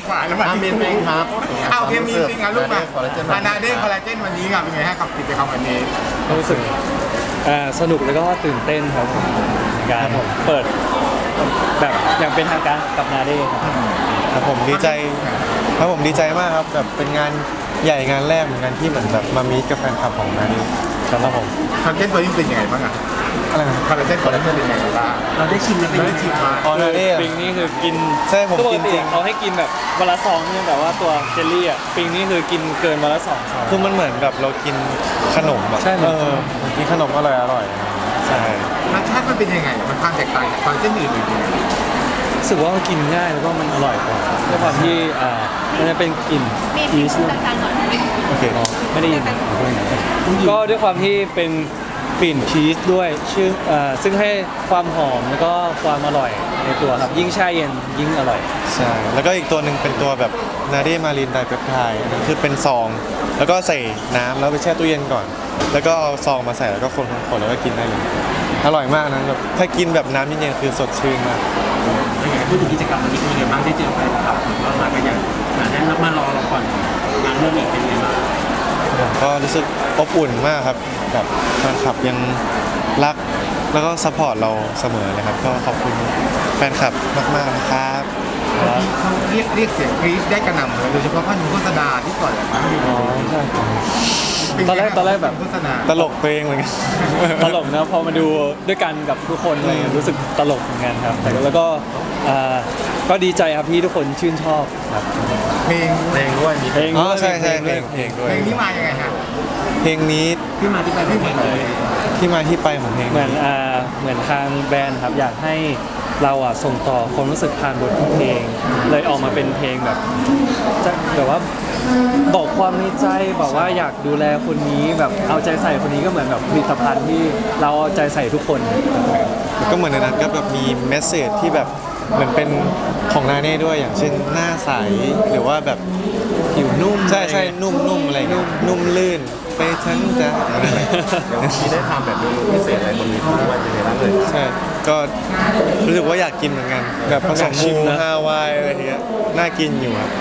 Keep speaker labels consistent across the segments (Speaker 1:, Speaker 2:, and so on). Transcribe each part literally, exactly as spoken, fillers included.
Speaker 1: กว่าแล้วมา
Speaker 2: อาเมนเองครับ
Speaker 1: เอาเคมีจริงอ่ะลูกมา
Speaker 2: คอลลาเจน
Speaker 1: มานาเด้คอลลาเจนวันนี้ครับเป็นไงฮะกับกิจกรรมวันนี้
Speaker 3: รู้สึกอ่าสนุกแล้วก็ตื่นเต้นครับผมในการเปิดแบบอย่างเป็นทางการกับนาเด้ครับ
Speaker 4: ครับผมดีใจครับผมดีใจมากครับแบบเป็นงานใหญ่งานแรกเหมือนกันที่เหมือนแบบมามีกับแฟนคลับของนาดีครับผม
Speaker 1: คอลลาเจนตัวนี้เป็นยังไงบ้างอ่ะ
Speaker 4: อะไรนะ
Speaker 1: คอลลาเจนคอลลาเจนเป็นยังไงบ้าง
Speaker 2: เราได้ชิมกันเป็น
Speaker 1: เราได้ชิมมา
Speaker 4: อ๋อนาดี
Speaker 3: ปิงนี่คือกิน
Speaker 4: ใช่ผม
Speaker 3: ป
Speaker 4: กิน
Speaker 3: ติ
Speaker 4: จริง
Speaker 3: เขาให้กินแบบวันละซองเนี่ยแต่ว่าตัวเจลลี่อ่ะปิงนี่คือกินเกินวันละสองซอง
Speaker 4: คือมันเหมือนแบบเรากินขนมอะ
Speaker 3: ใช่เหมื
Speaker 4: เอ
Speaker 3: อน
Speaker 4: อกินขนมอร่อยอร่อยใช่
Speaker 1: รสชาติมันเป็นยังไงมันความแตกต่างจากคอลลาเจนอื่นๆยังไง
Speaker 3: รู้สึกว่ามันกินง่ายแล้วก็มันอร่อยกว่าด้วยความที่อ่ามันจะเป็นกลิ่น
Speaker 5: มี
Speaker 3: พี
Speaker 5: พิ
Speaker 3: ช
Speaker 5: ษต่างๆหน่อย
Speaker 4: โอเค
Speaker 3: ไม่ได้ยินก็ด้วยความที่เป็นกลิ่นพีชด้วยชื่ออ่าซึ่งให้ความหอมแล้วก็ความอร่อยในตัวครับยิ่งแช่เย็นยิ่งอร่อย
Speaker 4: ใช่แล้วก็อีกตัวหนึ่งเป็นตัวแบบนาดีมารีนไดเปปไทด์อันนี้คือเป็นซอง แล้วก็ใส่น้ำแล้วไปแช่ตู้เย็นก่อน แล้วก็เอาซองมาใส่แล้วก็คนๆแล้วก็กินได้เลยอร่อยมากนะแบบถ้ากินแบบน้ำเย็นๆคือสดชื่นมาก
Speaker 2: เป็นไงพูดถึงกิจกรรมวันนี้เป็นยังไงบ้างได้เจอแฟนคลับหรือว่ามากันอย่างหนาแน่นแล้วมารอเราก่อนงานเรื่องอีกเป็นยังไงบ้าง
Speaker 4: ผมก็รู้สึกอบอุ่นมากครับแบบแฟนคลับยังรักแล้วก็ซัพพอร์ตเราเสมอเลยครับก็ขอบคุณแฟนคลับมากๆนะครับ
Speaker 1: เขาเรียกเรียกเสียงกรี๊ดได้กระหน่ำเลยโดยเฉพาะภาพโฆษณาที่ปล่อยออกมา
Speaker 3: อ๋อใช่
Speaker 1: เป็ไง
Speaker 3: ตอนแรกตอนแรกแบบ
Speaker 1: โฆษณา
Speaker 4: ตลกตัวเองเหมือนกัน
Speaker 3: ตลกนะพอมาดูด้วยกันกับทุกคนอะไรเงี้ยรู้สึกตลกเหมือนกันครับแต่แล้วก็อ่าก็ดีใจครับที่ทุกคนชื่นชอบครับ
Speaker 1: เพลง
Speaker 2: เพลงด้วยมี
Speaker 3: เพลง
Speaker 4: อ๋อ
Speaker 3: ด้วย
Speaker 4: ใช่ใช่เพ
Speaker 3: ด้
Speaker 4: ล
Speaker 3: วย
Speaker 4: งเพลงด้วย
Speaker 1: เพลงนี้มายังไงฮะ
Speaker 4: เพลงนี้
Speaker 2: ที่มาที่ไปที่เพลงเลย
Speaker 4: ที่มาที่ไปของเพลง
Speaker 3: เหมือนอ่าเหมือนทางแบรนด์ครับอยากให้เราอ่ะส่งต่อความรู้สึกผ่านบทเพลง เลยออกมาเป็นเพลงแบบจะแบบว่าบอกความในใจบอกว่าอยากดูแลคนนี้แบบเอาใจใส่คนนี้ก็เหมือนแบบผลิตภัณฑ์ที่เราเอาใจใส่ทุกคน
Speaker 4: แล้วก็เหมือนในนั้นก็แบบมีเมสเซจที่แบบเหมือนเป็นของนาเน่ด้วยอย่างเช่นหน้าใสหรือว่าแบบ
Speaker 3: ผิวนุ่ม
Speaker 4: ใช่ใช่นุ่มนุ่มอะไรเงี้ยนุ่มลื่นไปทั้งใจ
Speaker 2: ที่ได้ทำแบบเมนูพิเศษอะไรบนนี้ที่ว่าจะในร้านเลย
Speaker 4: ใช่ก็รู้สึกว่าอยากกินเหมือนกัน แบบผสมมูฮาวายอะไรเงี้ยน่ากินอยู่ครับ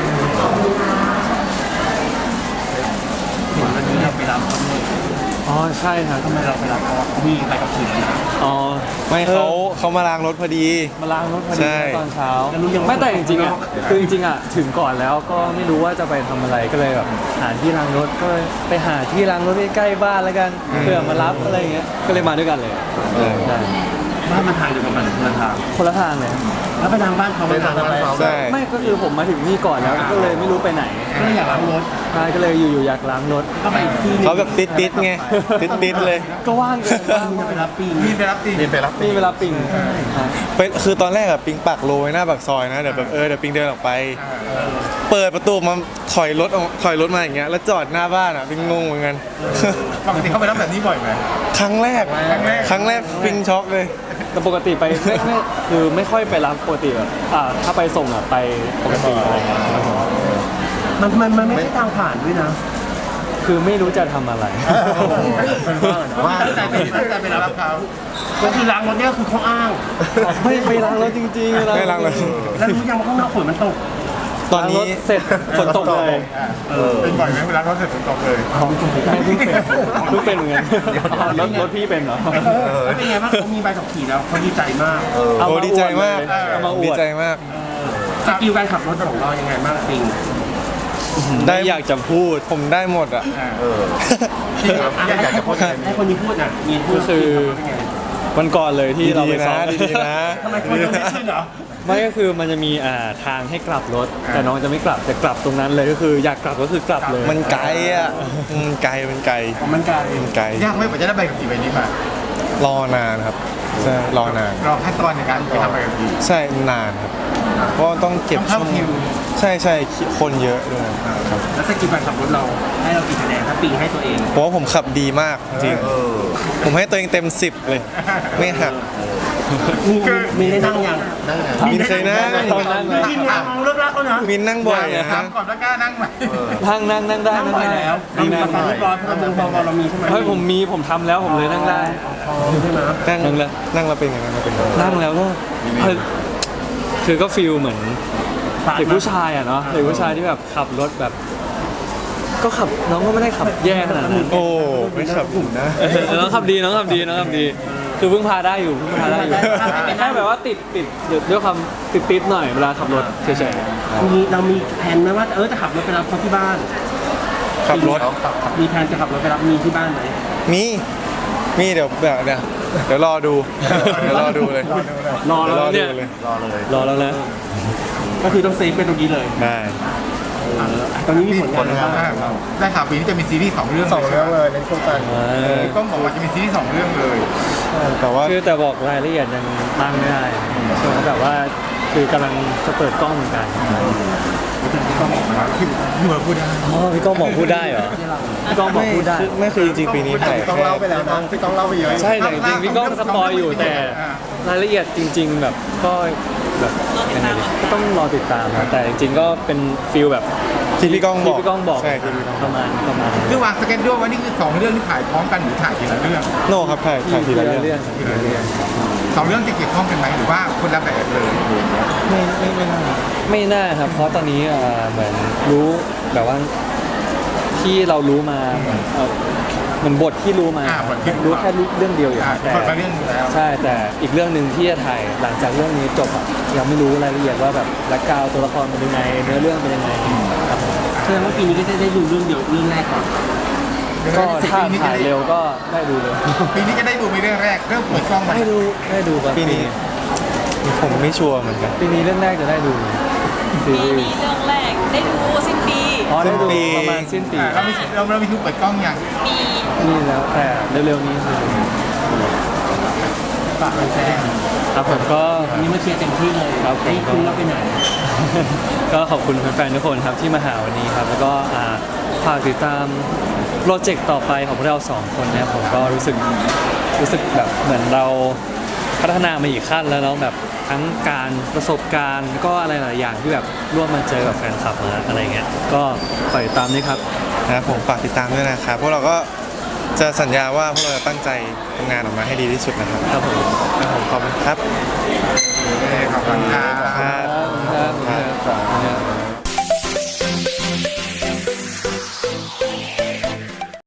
Speaker 2: เห็นวันนี้เราไปรับเขาเลย
Speaker 3: อ๋อใช่ครับ
Speaker 2: ทำไมเราไปรับเขามีไปกับทีมนะ
Speaker 3: อ๋อ
Speaker 4: ไม่เขาเขามาล้างรถพอดี
Speaker 3: มาล้างรถพอ
Speaker 4: ใช่
Speaker 3: ดีตอนเช้าไม่แต่จริงๆอ่ะคือจริงๆอ่ะถึงก่อนแล้วก็ไม่รู้ว่าจะไปทำอะไรก็เลยแบบหาที่ล้างรถก็เลยไปหาที่ล้างรถใกล้ๆบ้านแล้วกันเพื่อมารับอะไรอย่างเงี้ยก็เลยมาด้วยกันเลย
Speaker 4: เออ
Speaker 3: ใช่
Speaker 2: บ้านมันทางเดียวกันมันคนละทาง
Speaker 3: คนละทางเลย
Speaker 2: แล้วไปทางบ้านเขาไปทางอะไร
Speaker 4: ใช่
Speaker 3: ไม่ก็คือผมมาถึงนี่ก่อนแล้วก็เลยไม่รู้ไปไหน
Speaker 2: ก็เลยอยากล้างรถ
Speaker 3: ใช่ก็เลยอยู่ๆอยากล้างรถ
Speaker 2: ก็ไปอีกที่
Speaker 4: เขาแบบติดติดๆไงติดติดๆเลย
Speaker 3: ก็ว่างเกิน
Speaker 2: บ้า
Speaker 3: ว่าง
Speaker 2: จะไปรับปี
Speaker 1: มีไปรับจริง
Speaker 2: มีไปรับ
Speaker 3: มีเวลาปิ่งใช่
Speaker 4: เป็นคือตอนแรกอะปิงปักโรไว้หน้าปากซอยนะเดี๋ยวแบบเออเดี๋ยวปิงเดินออกไป เปิดประตูมาถอยรถออกถอยรถมาอย่างเงี้ยแล้วจอดหน้าบ้านอะปิงงงเหมือนกัน
Speaker 1: ปกติเขาไปรับแบบนี้บ่อยไหม
Speaker 4: ครั้งแรก
Speaker 1: ครั้งแรก
Speaker 4: ครั้งแรกปิงช็อกเลย
Speaker 3: แต่ปกติไปไม่ไม่คือไม่ค่อยไปรับปกติแบบอ่าถ้าไปส่งอ่ะไปปกติอะไรเงี้ย
Speaker 2: มันมันมันไม่ใช่ทางผ่านด้วยนะ
Speaker 3: คือไม่รู้จะทำอะไร
Speaker 2: ว่าตั้งใจไปตั้งใจไปรับเขาก็คือล้างรถเนี่ยคือเขาอ้าง
Speaker 3: ไม่ไปล้างรถจริงๆ
Speaker 4: ไม่ล้างรถ
Speaker 2: แล้วรู้ยังว่าข้างนอกฝนมันตก
Speaker 4: ตอนนี้
Speaker 3: ล้างรถเสร็จฝนตกเลย
Speaker 1: เป็นบ่อยไหมเวลาเขาเสร็จฝนตกเลย
Speaker 3: ไม่เพิ่งเป็นเพิ่งเป็นเหมือนกันรถรถพี่เป็นเหรอ
Speaker 2: แล้วเป็นไงบ้างเขามีใบขับขี่แล้วเขาดีใจมาก
Speaker 3: เอา
Speaker 4: โอ้
Speaker 3: มา
Speaker 4: ดีใจมาก
Speaker 3: เอามาอ
Speaker 4: ดี
Speaker 3: วด
Speaker 4: ใจมาก
Speaker 2: สกิลการขับรถของเรายังไงบ้างจริง
Speaker 3: ได้อยากจะพูด
Speaker 4: ผมได้หมดอะ
Speaker 2: อยากจะพูดให้คนนี้พูดอ่ะมีพูด
Speaker 3: ก็คือ วันก่อนเลยที่เราไป
Speaker 4: ดีๆ
Speaker 3: ซ้อ
Speaker 4: นะ
Speaker 3: ม
Speaker 4: ดีๆนะ
Speaker 2: ทำไมคนไม่ขึ้นเหรอ
Speaker 3: ไม่ก็คือมันจะมีอ่าทางให้กลับรถ แต่น้องจะไม่กลับจะกลับตรงนั้นเลยก็คืออยากกลับก็คือกลับเลย
Speaker 4: มันไกลอะอืมไกลมันไกล
Speaker 2: ของมันไกล
Speaker 4: มันไกล
Speaker 1: ยากไหมกว่าจะได้ใบขับขี่ใบนี้มาร
Speaker 4: อนานครับใช่รอนาน
Speaker 1: รอขั้นตอนในการไปทำใบขับขี่
Speaker 4: ใช่นานครับ เพราะว่าต้องเก็บ
Speaker 1: ต้องเข้าคิว
Speaker 4: ใช่ใช่คนเยอะด้วยครับ
Speaker 2: แล้วสกิลการขับรถเราให้เรากี่คะแนนถ้าปีให้ตัวเอง
Speaker 4: เพราะว่าผมขับดีมากจริงผมให้ตัวเองเต็มสิบเลย ไม่หัก
Speaker 2: มีมีได้นั่งยัง
Speaker 4: มินเคยนั่ง
Speaker 3: ตอนนั่งเลย
Speaker 2: กินเนี่ยมองเลิกรักแล้วนะ
Speaker 4: มินนั่งบ่อยนะ
Speaker 1: ถามก่อนว่ากล้านั่งไหม
Speaker 3: นั่งนั่งนั่งได้
Speaker 2: นั่ง
Speaker 3: นั่ง
Speaker 2: บ่อย
Speaker 3: ได้
Speaker 2: แล้ว
Speaker 3: นั่ง
Speaker 2: มี
Speaker 3: ได้
Speaker 2: ประกันเรียบร้อยเพราะเราพอเรามีใช่ไหม
Speaker 3: เฮ้ยผมมีผมทำแล้วผมเลยนั่งได้
Speaker 2: ใช่ไหม
Speaker 4: นั่ง
Speaker 3: นั่งเลย
Speaker 4: นั่งแล้วเป็นยังไงนั่งแล้วเป็นยังไง
Speaker 3: นั่งแล้วก็เฮ้ยคือก็ฟีลเหมือน
Speaker 2: ฝาก
Speaker 3: เด็กผู้ชายอ่ะเนาะเด็กผู้ชายที่แบบขับรถแบบ ก็ขับน้องก็ไม่ได้ขับแย่ขนาดนั้น
Speaker 4: โอ้ไม่ขับผมนะ
Speaker 3: เออน้องขับดีน้องขับดีน้องขับดี คือเพิ่งพาได้อยู่เพิ่งพาได้อยู่แค่แบบว่าติดติดด้วยความติดติดหน่อยเวลาขับรถเฉย
Speaker 2: มีเรามีแผนไหมว่าเออจะขับรถไปรับเขาที่บ้าน
Speaker 4: ขับรถ
Speaker 2: มีแผนจะขับรถไปรับมีที่บ้านไหม
Speaker 4: มี มีเดี๋ยวเดี๋ยวเดี๋ยวเดี๋ยวรอดู เดี๋ยวรอดูเลย
Speaker 3: รอ
Speaker 4: เดี๋ยว
Speaker 3: แล้
Speaker 4: รอ
Speaker 3: ว
Speaker 4: ดู
Speaker 3: เนี่ย
Speaker 4: เลย
Speaker 3: รอแล้วนะ
Speaker 2: ก็คือต้องเซฟเป็นตรงนี้เลย
Speaker 4: ได้
Speaker 2: ตอนนี้มีผล
Speaker 1: ผ
Speaker 2: งาน
Speaker 1: ล
Speaker 2: อะไร
Speaker 1: งาน
Speaker 2: บ้าง
Speaker 1: มากได้ข่าวปีนี้จะมีซีรีส์สองเรื่อง
Speaker 5: สองเรื่องเลยในโครงการ
Speaker 1: พี่ก้องบอกว่าจะมีซีรีส์สองเรื่องเลย
Speaker 4: แต่ว่า
Speaker 3: คือแต่บอกรายละเอียดยังตั้งไม่ได้ใช่ไหมแบบว่าคือกำลังจะเปิดกล้องเหมือนกัน
Speaker 1: พี่ก้องบอกมาพี่พี่เบิร์ดพูดได้
Speaker 3: อ๋อพี่ก้องบอกพูดได้เหรอพี่ก้องบอกพูดได้
Speaker 4: ไม่ไม่คือจริงๆปีนี้ถ่าย
Speaker 5: พี่ต้อง
Speaker 4: แค่
Speaker 5: เล่าไปแล้วนะพี่ต้องเล่าไปเยอะ
Speaker 3: ใช่แต่จริงๆพี่ก้องสปอยอยู่แต่รายละเอียดจริง ๆ แบบก็แบบยังไงดีก็ต้องรอติดตามนะแต่จริงๆก็เป็นฟิลแบบ
Speaker 4: ที่พี่ก้องบอก
Speaker 3: ที่พี่ก้องบอก
Speaker 4: ใช่ที่พี่ก้อง
Speaker 3: ประมาณประมาณ
Speaker 1: คือวางสเก็ตด้วยว่านี่คือสองเรื่องที่ถ่ายพร้อมกันหรือถ่ายทีละเรื่อง
Speaker 4: โน่ครับถ่ายถ่ายทีละเรื่อง
Speaker 3: เรื่องทีละเรื่อง
Speaker 1: สองเรื่องจะเกี่ยวข้องกันไหมหรือว่าคนละแบบเลย
Speaker 4: ไม่ไม่ไม่น่า
Speaker 3: ไม่น่าครับเพราะตอนนี้เอ่อเหมือนรู้แบบว่าที่เรารู้มาเหมือนเอ่อเหมือนบทที่รู้มา
Speaker 1: อ่าบทที่
Speaker 3: รู้แค่เรื่องเดียวอยู่
Speaker 1: อ่า
Speaker 3: แต่
Speaker 1: คนละเรื่องอยู่แล้ว
Speaker 3: ใช่แต่อีกเรื่องหนึ่งที่จะถ่ายหลังจากเรื่องนี้จบอะยังไม่รู้รายละเอียดว่าแบบแบ็คกราวด์ตัวละครเป็นยังไงเนื้อเรื่องเป็นยังไงครับผม
Speaker 2: แสดงว่าปีนี้ก็จะได้ดูเรื่องเดียวเรื่องแรกก่อน
Speaker 3: ก็ถ้าถ่ายเร็วก็ได้ดูเลย
Speaker 1: ปีนี้จะได้ดูไปเรื่องแรกเริ่มเปิดกล้องมา
Speaker 3: ได้ดูได้ดูครับ
Speaker 4: ปีนี้ผมไม่ชัวร์เหมือนกัน
Speaker 3: ปีนี้เรื่องแรกจะได้ดูซี
Speaker 6: ปี
Speaker 3: รี
Speaker 6: นี้
Speaker 3: ส์
Speaker 6: เรื่องแรกได้ดูสิ้นปี
Speaker 3: อ๋อได้ดู
Speaker 4: สิ้นปี
Speaker 3: ประมาณสิ้นปี
Speaker 1: อ่าเรามีเราเรามีคิวเปิดกล้องยัง
Speaker 6: มี
Speaker 3: นี่แล้วแต่เร็วๆนี้ครับ
Speaker 2: ฝากแฟน
Speaker 3: ครับผมก็
Speaker 2: ๆวันนี้มาเชียร์เต็มที่เลย
Speaker 3: ครับผม
Speaker 2: ไอ้คุณเราไปไหน
Speaker 3: ก็ขอบคุณแฟนๆทุกคนครับที่มาหาวันนี้ครับ แล้วก็อ่าฝากติดตามโปรเจกต์ต่อไปของพวกเราสองคนนะครับผมก็รู้สึกรู้สึกแบบเหมือนเราพัฒนามาอีกขั้นแล้วเนาะแบบทั้งการประสบการณ์ก็อะไรหลายอย่างที่แบบร่วมมาเจอกับแฟนคลับมาอะไรเงี้ยก็ฝากติดตามด้วยครับ
Speaker 4: นะครับผมฝากติดตามด้วยนะครับพวกเราก็จะสัญญาว่าพวกเราจะตั้งใจทำงานออกมาให้ดีที่สุดนะครับ
Speaker 3: ครับผม
Speaker 4: ครับผมขอบคุณครับ
Speaker 1: โอเคขอบคุณครับ
Speaker 4: ครับ